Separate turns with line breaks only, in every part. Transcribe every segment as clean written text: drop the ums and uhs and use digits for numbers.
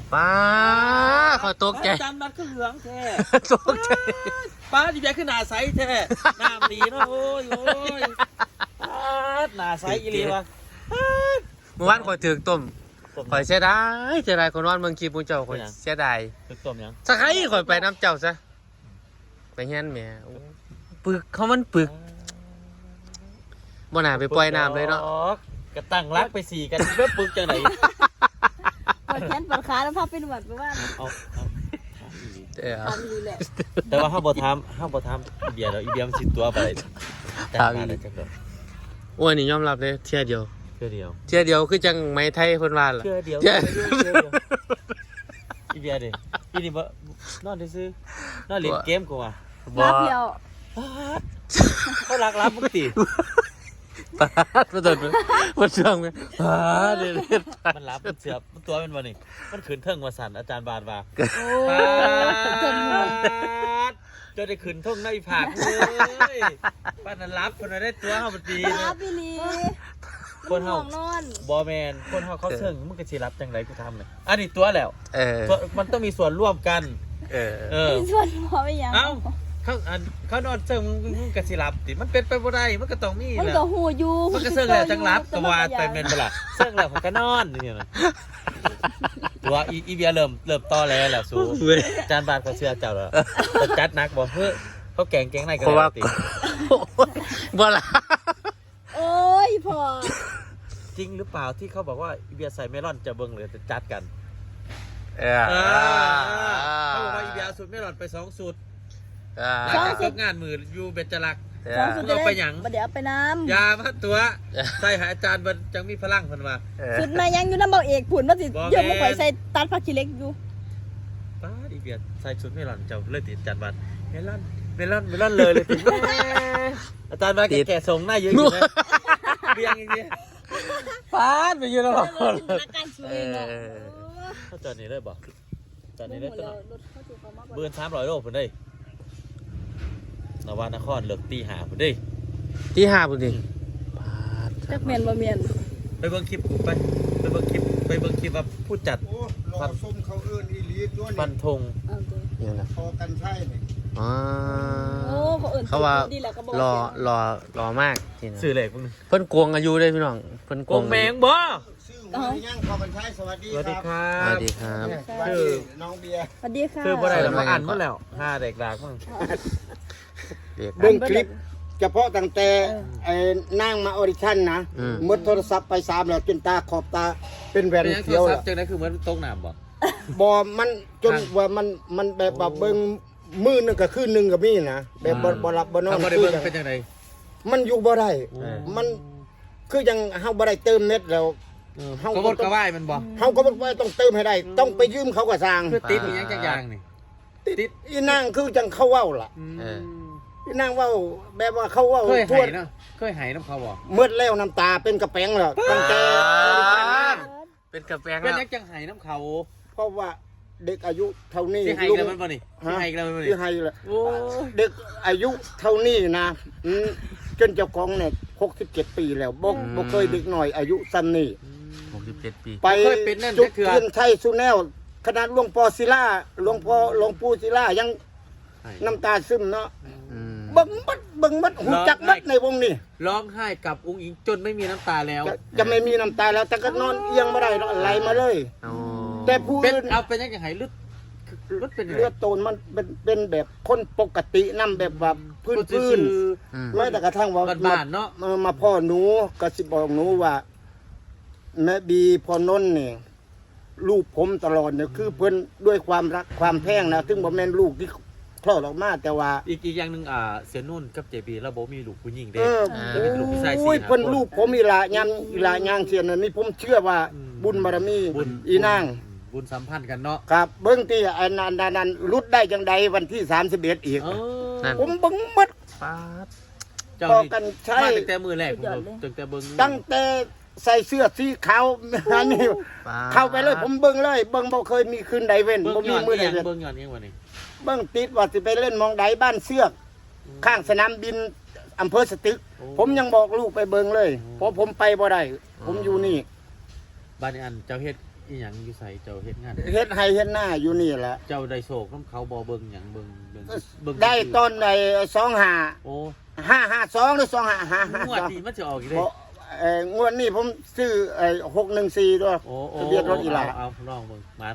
ป้าขอตกใจ
จานมันก็เหลืองแท้
ตกใจ
ป้าดีใจขึ้นหน้าใสแท้น้ำดีเนาะโอ้ยหน้าใสอีหลีวะ
เมื่อวานข่อยถึงต้มข่อยเสียดายคนนอนเมืองคีปูเจ้าข่อยเสียดาย
ตึกต้มยัง
สักไห้ข่อยไปน้ำเจ้าซะไปเฮียนแม่ปึกเขามันปึกบ่น่าไปปล่อยน้ำเลยเนาะ
กระตั้งรักไปสี่กันเพื่อปึกจังไหน
ปวดแขนปวดขาแล้วพาไปนวดไปว่า
เอา
ทำดีแหละ
แต่ว่าห้าบ่ทำอีเบียร์เราอีเบียร์มันสิตัวไปแต่งมาได้จังเลย
อ้วนนี่ยอมรับเลยเที่ยเดียว
เพื่อเดียว
เที่ยเดียวคือจังไม้ไทยเพิ่นว่าล่ะ
เพื่อเดียว
เที่ย
อีเบียร์ดิอีนี่บ่นอนซื้อนอนเล่นเกมกูว่ะ
บ่
รับเดียว
เขารักรับมึงติ
ปาดมาต้นมาเชื่องมั้ยปาดเด็ด
มันรับมันเสือบมันตัวมันบ่นี่มันขืนเทิงว่าสั่นอาจารย์บาทว่า
โอ้
ปาด
จนหมด
จนได้ขืนเทิงในผากเลยป้านั้นรับคนนั้นได้ตัวเฮาบ่ดี
รับพี่ลี
คนเฮา
นอน
บ่แม่นคนเฮาเขาเชิงมึงก็สิรับจังไดกูทำเลยอันนี้ตัวแล้ว
เออ
มันต้องมีส่วนร่วมกัน
เออ
เออ
มีส่วนพอไปยัง
เอ้าเขานอนเชิงมึงก็สิรับติมันเป็นไปบ่ได้มันก็ต้องมี
มัน
แหละ
ก็หูอยู่
มันก็เชิงแล้วจังรับก็ว่าไปแม่นบ่ล่ะเชิงแล้วมันก็นอนนี่นะตัวอีเบียเริ่มต่อแล้วแหละสู
เว้ย
จานบาทเขาเชื่อเจ้าแล้วแต่จัดหนักบ่เฮ้ยเขาแกงในกัน
เพราะว่า
ติ
บ่ล่ะ
โอ้ยพอ
จริงหรือเปล่าที่เขาบอกว่าอีเบียใส่เมลอนจะเบิ่งหรือจะจัดกัน
เออ
เขาบอกว่าอีเบียสูตรเมลอนไป2สูตร
อ่า
หลังจากจบงานมืออยู่เบญจลักษณ์
สองสุด
เอาไปหยัง
เดี๋ยวไปน้
ยามาตัวใส่หาอาจารย์มันจังมีพลังเพิ่นว่า
ำสุดมายังอยู่น้ำเบาเอกผุนมาสิ
บ่แม่น
เยอะมาข่อยใส่ตัดผักชีเล็กอยู่
ป้าอีเบียใส่ชุดเมลอนเจ้าเลยติดอาจารย์บัตรเมลอนเลยติดอาจารย์บัตรแก่ๆทรงหน้าเยอะอยู่นะเบียงอย่างเงี้ย
ปาดไปอยู่แล้ว
จินตนาการสวยเนาะ
เขาจอดนี่เลยบ่จอดนี่
ห
เล
ม
ย
ด
ตัว
แล้ว
เนาะ
รถเขาถือเขามากกว่า
เบิร์น300 โลพุ่นเด้นวานครเลิกตี5พุ่นเด้
ที่ห้าพุ่นดิปาด
จักเมียนบ่เมียน
ไปเบิ่งคลิปกูไปเบิ่งคลิปว่าผู้จัด
โอ้รอส้มเขาเอื้อนอีหลีตัว
ฟั
นี้
นธง
เอาตัว
เนี่ยนะ
พอกันใช่นี่
อ๋อ
โอ้เขาเอิ่น
เขาว่า
ดีแหละก็บอก
รอมากจริง
สื่อเหล็กพวกนี้
เพิ่นโกงอายุได้พี่น้องเพิ่น
โกงแมงบ่
ชื่อหัวย่างพอกันใช่สวัสดี
สวัสดี
ค
ค
รั
รั
สวั
บ
สดีครับ
สวัสดีน้องเบียร์
สวัสดีค่ะ
คือบ่ได้แล้วมาอ่านหมดแล้ว5เด็กดากมั้ง
เรียก
เบิ่งคลิปเฉพาะตั้งแต่ไอ้นั่งมาออดิชั่นนะ
อืม
หมดโทรศัพท์ไป3แล้วจนตาขอบตาเป็นแหวน
เป็นยังโท
เขี
ร
ยว
ศั
แล้
พ
ว
ท์จังได๋คือเหมือนตกน้ำบ่
บ่มันจนว่ามันแบบว่าเบิ่งมือหนึงก็คืนหนึงก็มีนะแบบบ่หลับบ่นอน
ถ้าบ่ได้
คื
เบิ่
อง จัง
เป็นจังได๋
มันอยู่บ่ได้มันคือยังเฮาบ่ได้เติมเน็ตแล้ว
เขาบ่กระว่ายมันบ่
เฮาก็บ่ว่าต้องเติมให้ได้ ต้องไปยืมเขาก็สร้าง
คือติดอีหยังจักอย่างนี่ ติด
อีนางคือจังเขาเว้าล่ะ
เออ
อีนางเว้าแบบว่าเขาเว้า
เคย
ทั่
ไห
ว
เนาะเคยไหน้ำเขาบ่
เมื่อแล้วน้ำตาเป็นกระแปงแล้วตั้งแต่
เป็นกระแปง
เป็น
แล้ว
ยังจังไหน้ำเขา
เพราะว่าเด็กอายุเท่านี้
สิไห
ลุง
แล้วมันบ่นี่สิไหแล้วมันบ่นี่
ที่ให้ละ
โอ้
เด็กอายุเท่านี้นะจนเจ้าของเนี่ย67 ปีแล้วบ่เคยเด็กหน่อยอายุสั้นนี่
67 ปี
ไป
เคยเป็นนั่น
จุ
จั
ด
กเทื่อ
เทียนไทยสุแนวขนาดหลวงพ่อศิลาหลวงปู่ศิลายังน้ำตาซึมเนาะ
อืม
เบิ่งมัดหูจักมัดในวงนี้
ร้องไห้กับอุ้งอิงจนไม่มีน้ำตาแล้ว
จะไม่มีน้ำตาแล้วแต่ก็นอนเอียงไม่ได้ไหลมาเลย
โอ้
แต่ผู้
เป็น
อื่น
เอาเป็นยังไงลึกลึกเป็นยังไง
เลือดโตนมันเป็นแบบคนปกตินํแบบว่าพื้น
อืม
แม้แต่กระทั่งว่า
บ้านๆเนาะ
มาพ่อหนูก็สิบอกหนูว่าแม่บีพ่อนนท์นี่ลูกผมตลอดเนี่ยคือเพิ่นด้วยความรักความแพงนะถึงบ่แม่นลูกที่คลอดออกมาแต่ว่า
อีกอย่างหนึ่งเสียนุ่นกับเจบีแล้วโบมีลูกผู้หญิงเด้
เออ
แล้วเป็นลูกผู้ชาย
โอ้ย
4
เพิ่น
คน
ลูกผมอีหลาย่างเสียนนี่ผมเชื่อว่าบุญบารมี
บุญ
อีนาง
บุญสัมพันธ์กันเนาะ
ครับเบิ่งที่อันนั้นรุดได้จังใดวันที่31อีก
เออ
นั่น
ผมเบิ่งหมด
ปาด
เจ้า
พอ
นี่
กันใช่
มาตั้งแต่มือแรกผมตั้งแต่เบิ้ง
ตั้งแต่ใส่เสื้อสีขาว อันนี้
ปาด
เข้าไปเลยผมเบิ่งเลยเบิ่งบ่เคยมีคืนใดเว้น
เบิ้ง
บ่
ย้
มี
อน
มื้อใด
เอียง
เว้น
เบิ้งย้อนเอียงวันนี้
เบิ่งติดว่าสิไปเล่นหมองใดบ้านเสือก ข้างสนามบินอำเภอสตึก ผมยังบอกลูกไปเบิ่งเลยเพราะผมไปบ่ได้ผมอยู่นี่
บ้านนี้อันเจ้าเฮ็ดอีหยังอยู่ใส่เจ้าเฮ็ดงาน
เฮ็ดให้เฮ็ดหน้าอยู่นี่แหละ
เจ้าได้โศกน้ำเขาบ่เบิ่งหยังเบิ่ง
ได้ตอนไอ้25
โอ้
552หรือ25
งวดนี้มันจะออกอีกเด้
บ่งวดนี้ผมซื้อ614ด้วย
โอ้
ทะเบียนรถอีหลา
เอาลองเบิ่งมัน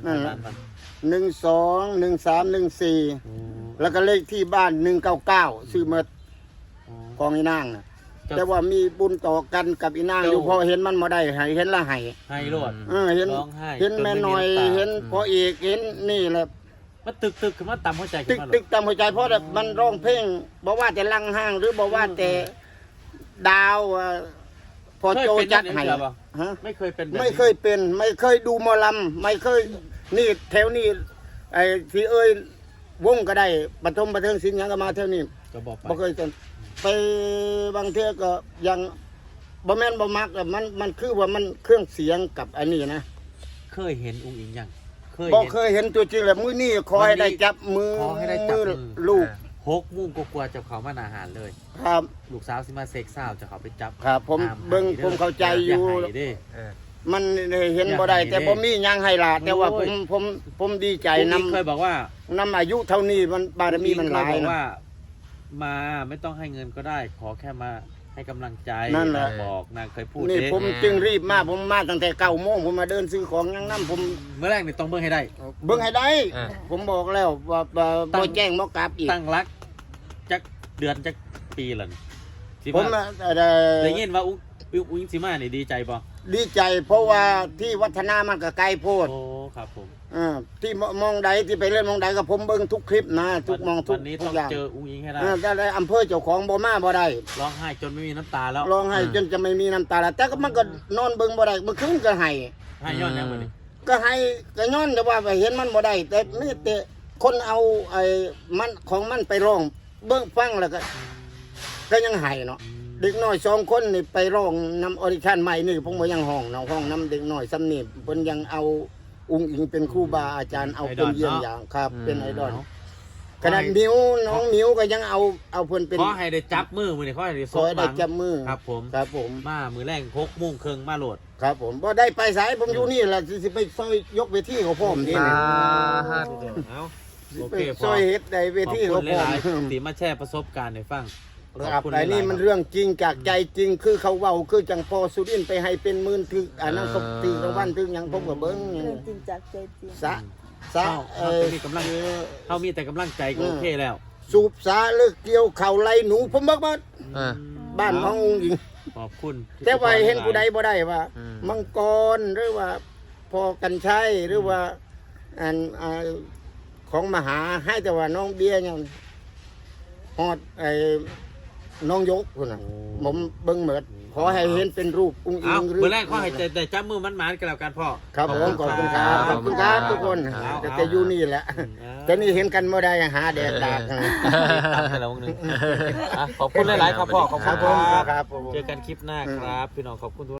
121314
โอ้
แล้วก็เลขที่บ้าน199ซื้อมาของอีนางน่ะแต่ว่ามีบุญต่อกันกับอีนางอยู่พอเห็นมันบ่ได้ให้เห็นละให้
ให้โลด
เห็น
ร้องไห้
เห็นแม่น้อย
จนไม่มีน้ำตา
เห็นพ่อเอกเห็นนี่แหละ
มันตึกขึ้นมาต่ำหัวใจขึ้
ตึ
น
ก
มา
ตึกตามหัวใจเพราะแบบมันร้องเพลงบอกว่าแต่ลังห้างหรือบอกว่าแต่ดาวพอโจจัดให้ฮะ
ไม่เคยเป็นแบบนี้
ไม่เคยเป็นไม่เคยดูหมอลำไม่เคยนี่แถวนี้ไอ้ที่เอ้ยวงก็ได้ปฐมบันเทิงศิลป์หยังก็มาแถวนี้
ก็บอกไป
บ่เคยจนไปบางเทื่อก็ยังบ่แม่นบ่มักอะมันคือว่ามันเครื่องเสียงกับอันนี้นะ
เคยเห็นอุ้งอิงยังเคย
บ่
เห็น
เคยเห็นตัวจริงเลยมื้อนี้ขอให้ได้จับมือ
ขอให้ได้จับมือ
ลูก
6 โมงกว่าๆจะเขามาอาหารเลย
ครับ
ลูกสาวสิมาเซ็กซ์สาวจะเขาไปจับ
ครับผม
ตาม
เบิ่ง
ให้ด้
ผมเข้าใจอยู่
าให้เด้
เออ
มันเห็นบ่ได้แต่บ่มีหยังให้ล่ะแต่ว่า
โอ้ย
ผมดีใจ
อุ้ง
นำ
อิงเคยบอกว่า
อายุเท่านี้มันบารมีมันหลาย
เคบอก
นะ
ว่า มาไม่ต้องให้เงินก็ได้ ขอแค่มาให้กำลังใจ
นั่นแหละ
างบอกนางเคยพูด
นี่
เด้
ผมจึงรีบมาผมมาตั้งแต่9 โมงผมมาเดินซื้อของยังนํผม
เมื่อแรกนี่ต้องเบิ่งให้ได้
เบิ่งให้ได้
อ่า
ผมบอกแล้วว่าบ่แจ้งบ่กลับอีก
ตั้งรักจักเดือนจักปีละนี่สิ
ผม
ว่าได้ยินว่าอุ้งอิงสิมานี่ดีใจบ่
ดีใจเพราะว่าที่วัฒนามันก็ไกลโพด
โอ้ครับผม
ที่มองใดที่ไปเล่นมองใดก็ผมเบิ่งทุกคลิปนะทุกมองทุก
วันนี้
ทุ
ต้อก ง
อย่าง
เจออุ้งอิงให้ได้
ถ้าได้อำเภอเจ้าของบ่มาบ่ได้
ร้องไห้จนไม่มีน้ำตาแล้ว
ร้องไห้จนจะไม่มีน้ำตาแล้วแต่ก็มันก็นอนเบิ่งบ่ได้เมื่อคืนก็ให้
ให้ย้อนแนวมานี่
ก็ให้ก็ย้อนแต่ว่าเห็นมันบ่ได้แต่นี่แต่คนเอาไอ้มันของมันไปร้องเบิ่งฟังแล้วก็ยังให้เนาะเด็กน้อย2 คนนี่ไปร้องนำออดิชั่นใหม่นี่ผมบ่ยังห้องเนาะห้องนํเด็กน้อยซ้ำนี่เพิ่นยังเอาองค์อิงเป็นครูบาอาจารย์เอาเป็นเยี่ยงอย่างครับเป็นไอดอลขนาดมิวน้องมิวก็ยังเอาเพิ่นเป็น
ขอให้ได้จับมือมือนี่ขอให้ได้
ขอให้ได้จับมือ
ครับผม
ครับผม
มามือแรก6 โมงครึ่งมาโหลด
ครับผมบ่ได้ไปสายผมอยู่นี่แหละสิไปซอยยกเวทีเขาพร้อมนี่
สา
นะ
ธุ
เอาโอ
ไป
เคพ
ซ
อ
อยเฮ็ดได้เว
ขอบ
ที
คุ
เขา
ณ
พร้อ
ห
ม
ลายๆที่มาแชร์ประสบการณ์ให้ฟัง
ครับไอ้นี่มันเรื่องจริงจากใจจริงคือเขาเว้าคือจังพอสุรินทร์ไปให้เป็นหมื่นถึงอันนั้นก็ตีรางวัลถึงหยังผมก็เบิ่ง
เรื่องจริงจากใจจริง
สะ
เขามีกำลังเขามีแต่กำลังใจก็โอเคแล้ว
สูบสาเลิกเกี่ยวเข่าไหลหนูผมบอกว่า
อ่า
บ้านน้ององค์หญิง
ขอบคุณ
แต่ว่าเห็นผู้ใดบ่ได้ว่า
อืม
มังกรหรือว่าพอกันชัยหรือว่าอันของมหาให้แต่ว่าน้องเบียร์ยังฮอดไอ้น้องยกคนน่ะผมเบิ่งเหมือดขอให้เห็นเป็นรูปอุ้งอิ
เอา
ง
เมื่อแรกขอให้ได้จับมือมันหมานกันแล้วกันพ่อ
ครับผมขอบคุณครับขอบคุณครับทุกคน
ครับ
แต่อยู่นี่แหละแต่นี่เห็นกันบ่ได้หาแดดดากกัน
ตามให้เราวงหนึงขอบคุณหลายๆครับพ่อขอบ
ค
คุ
รับ
ณ
ผม
ครับ
ครับผม
เจอกันคลิปหน้าครับ พี่น้องขอบคุณทุก